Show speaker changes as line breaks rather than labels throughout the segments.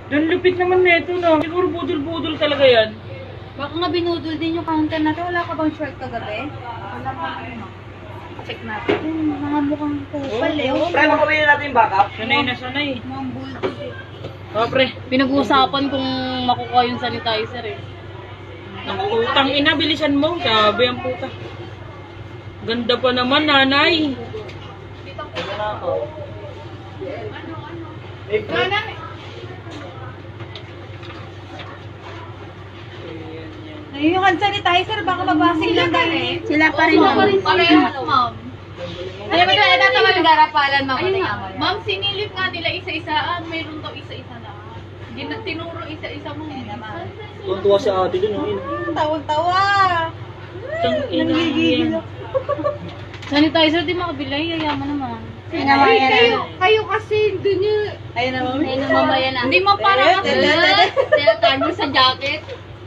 Dan lupit naman neto no. Siguro budol-budol talaga yan.
Baka nga binudol din yung counter natin. Wala ka bang short kagabi? Wala pa. Check natin. Mga mukhang kupal eh.
Pre, makawin natin yung backup.
Sanay na sanay.
Mga bulldog eh.
Oh, pre.
Pinag-uusapan kung makukuha yung sanitizer eh.
Naku, utang ina, bilisan mo. Sabi ang puta. Ganda pa naman, nanay.
Ayun yung hand sanitizer. Baka mabasig lang tayo eh.
Sila pa rin naman.
Parehas, ma'am. Alam mo na, ito naman garapalan, ma'am.
Ma'am, sinilip nga nila isa-isa. Mayroon daw isa-isa na. Tinuro isa-isa mo.
Tuwa si ate dun.
Tawang-tawa.
Nanggigigil.
Sanitizer di makabilay, yayaman naman.
Kayo kasi dun yung...
Ayun na, ma'am.
Ayun ang mamaya na.
Hindi mo parang ako.
Tinatag mo sa jacket.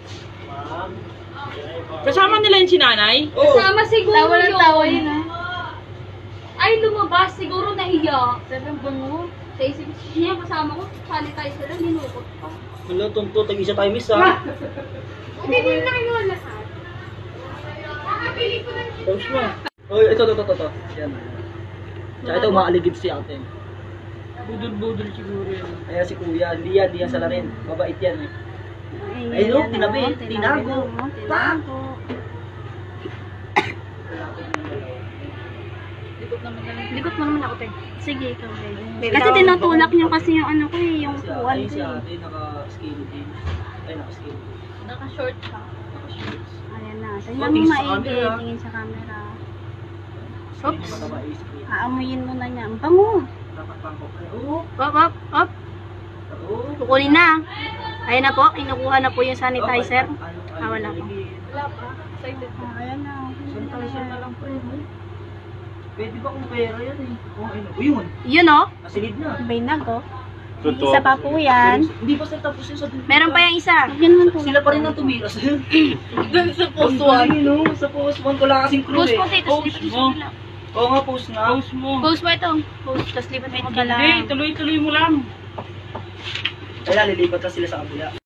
Kasama nila yung sinanay?
Oo.
Sama siguro
Tawa ng tawa yun ah.
Ay, lumabas. Siguro nahiya.
Sabi ang bango.
Sa isip niya, kasama ko, sanitizer lang, hinukot pa.
Wala, tunto. Tag-isa tayo miss ha.
Hindi din lang yun lahat. Nakabili ko lang.
Tapos mo. Oh, ito. Yan. Tsaka ito, umaaligid si ate.
Budol-budol siguro yan.
Ayan si kuya. Hindi yan sa larin. Mabait yan eh. Ay, no, tinabi. Tinago.
Tinago. Likot mo naman ako, te. Sige, ikaw, babe. Kasi tinutulak niyo kasi yung ano ko eh, yung puwan
Ay,
ko
si
eh.
ate, naka-skinny din. Ay, naka-skinny.
Naka-short siya.
Naka-shorts.
Ayan na.
Oh,
Tingnan mo
tingin sa
maigi.
camera.
Tingin sa camera.
Oops. Mataba yung skin.
Aamuyin mo na niya. Ang bango.
Nakapangkok na. Oo.
Up.
Oo.
Kukunin na. Ayan na po. Kinukuha na po yung sanitizer. Wala po.
Wala pa. Excited pa.
Ayan na.
Sanitizer na lang po yun. Pwede ba kung pera yan eh? Oh, ayun. O yun.
Yun o.
Nasilid na.
Bainag o. Isa pa po yan.
Hindi pa sila tapos yun sa dulo.
Meron pa yung isa. Yan man po.
Sila pa rin ang tumiras.
Doon sa
Post one. No? Sa post one ko lang kasing crew
Post
eh.
po, te. Tapos lipat mo sa kabila.
Oo nga, post na.
Post mo.
Post mo ito. Post. Tapos lipat mo sa kabila.
Hindi, tuloy-tuloy mo lang.
Kaya lilipat na sila sa kabila.